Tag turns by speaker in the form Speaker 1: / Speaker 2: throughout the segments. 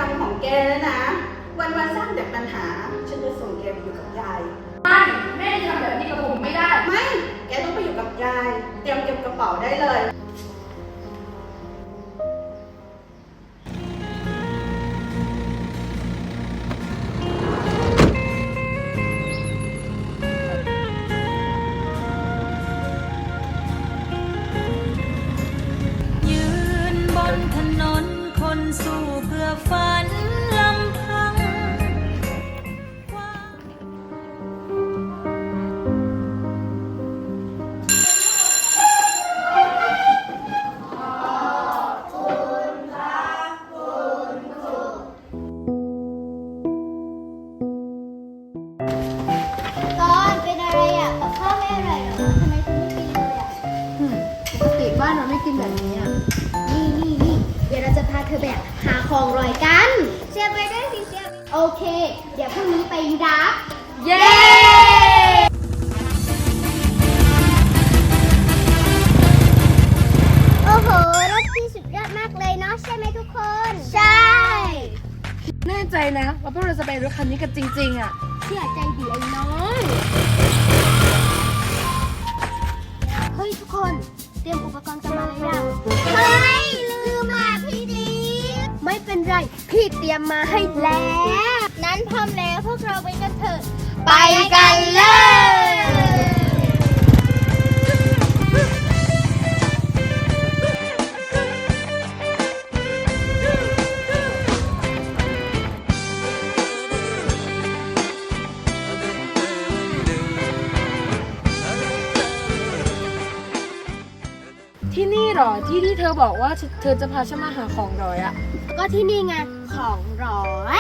Speaker 1: รมของแกแล้วนะวันสร้างแต่ปัญหาฉันจะส่งแกไปอยู่กับยาย
Speaker 2: ไม่แม่ทำแบบนี้กับผมไม่ได้
Speaker 1: ไม่แกต้องไปอยู่กับยายเตรียมเก็บกระเป๋าได้เลย
Speaker 3: ถนนคนสู้เพื่อฝันลำพัง
Speaker 4: ก่อนเป็นอะไรอ่ะกับข้าวไม่อร่อยเหรอทำไมคุณไม่กินเลยอ่ะ
Speaker 2: ปกติบ้านเราไม่กินแบบนี้อ่ะ
Speaker 4: นี่เดี๋ยวเราจะพาเธอไปหาของอร่อยกันเชียร์ไปด้วยสิเชียร์โอเคเดี๋ยวพรุ่งนี้ไปรับ
Speaker 2: เย้
Speaker 4: โอ้โหรถพี่สุดยอดมากเลยเนาะใช่ไหมทุกคนใช่
Speaker 2: แน่ใจนะว่าพวกเราจะไปรถคันนี้กันจริงๆอ่ะ
Speaker 4: เชื่อใจดีไอ้น้อยเฮ้ยทุกคนเตรียมอุปกรณ์กันมาหรือยังเฮ้ยลืมมาพี่ดีไม่เป็นไรพี่เตรียมมาให้แล้วนั้นพร้อมแล้วพวกเราไปกันเถอะไปกันเลย
Speaker 2: ที่นี่หรอที่เธอบอกว่าเธอจะพาฉันมาหาของร้อยอ่ะ
Speaker 4: ก็ที่นี่ไงของร้อย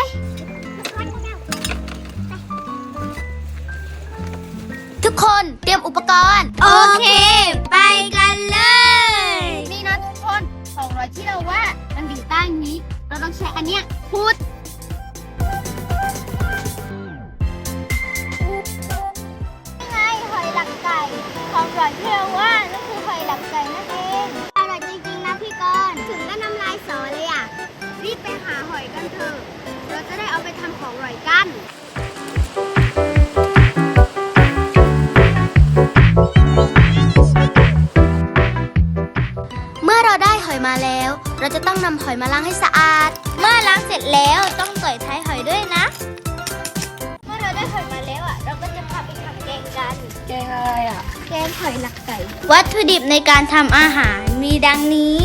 Speaker 4: ทุกคนเตรียมอุปกรณ์โอเคไปกันเลยนี่นะทุกคนของร้อยที่เราว่ามันอยู่ใต้นี้เราต้องใช้อันเนี้ยพูดนี่ไงหอยหลักไก่ของร้อยที่เราว่านั่นคือหอยหลักไก่นั่นเองอร่อยจริงๆนะพี่กรณ์ถึงก็น้ำลายสอเลยอ่ะรีบไปหาหอยกันเถอะเราจะได้เอาไปทำของอร่อยกันเมื่อเราได้หอยมาแล้วเราจะต้องนำหอยมาล้างให้สะอาดเมื่อล้างเสร็จแล้วต้องต่อยท้ายหอยด้วยนะเมื่อเราได้หอยมาแล้วอ่ะเราก็จะพาไปทำแกงกัน
Speaker 2: แกงอะไรอ่ะ
Speaker 4: แกงหอยหลักไก่วัตถุดิบในการทำอาหารมีดังนี้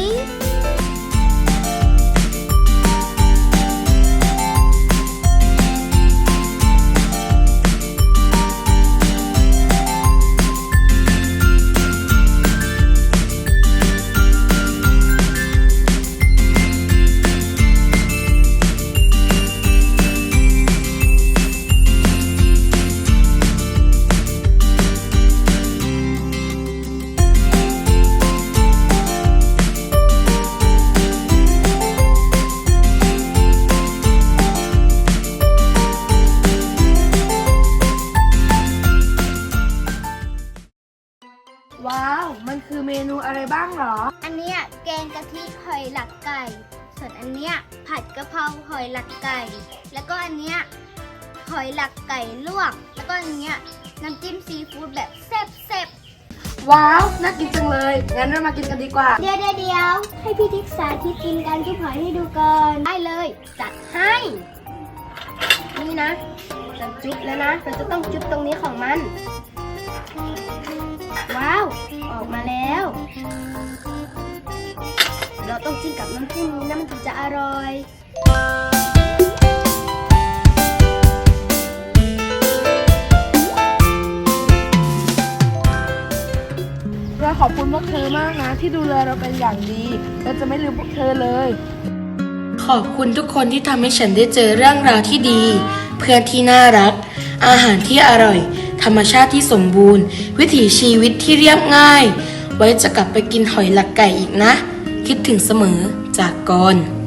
Speaker 2: ว้าวมันคือเมนูอะไรบ้างหรอ
Speaker 4: อันเนี้ยแกงกะทิหอยหลักไก่ส่วนอันเนี้ยผัดกะเพราหอยหลักไก่แล้วก็อันเนี้ยหอยหลักไก่ลวกแล้วก็อันเนี้ยน้ำจิ้มซีฟู้ดแบบแซ่บ
Speaker 2: ว้าวน่ากินจังเลยงั้นเรามากินกันดีกว่า
Speaker 4: เดี๋ยวให้พี่ทิกสาธิตกินการจุ๊บหอยให้ดูก่อนได้เลยจัดให้นี่นะจะจุ๊บแล้วนะเราจะต้องจุ๊บตรงนี้ของมันว้าวออกมาแล้วเราต้องจิ้มกับน้ำจิ้มนี้นะมันถึงจะอร่อย
Speaker 2: เราขอบคุณพวกเธอมากนะที่ดูแลเราเป็นอย่างดีเราจะไม่ลืมพวกเธอเลย
Speaker 5: ขอบคุณทุกคนที่ทำให้ฉันได้เจอเรื่องราวที่ดีเพื่อนที่น่ารักอาหารที่อร่อยธรรมชาติที่สมบูรณ์วิถีชีวิตที่เรียบง่ายไว้จะกลับไปกินหอยหลักไก่อีกนะคิดถึงเสมอจากกรณ์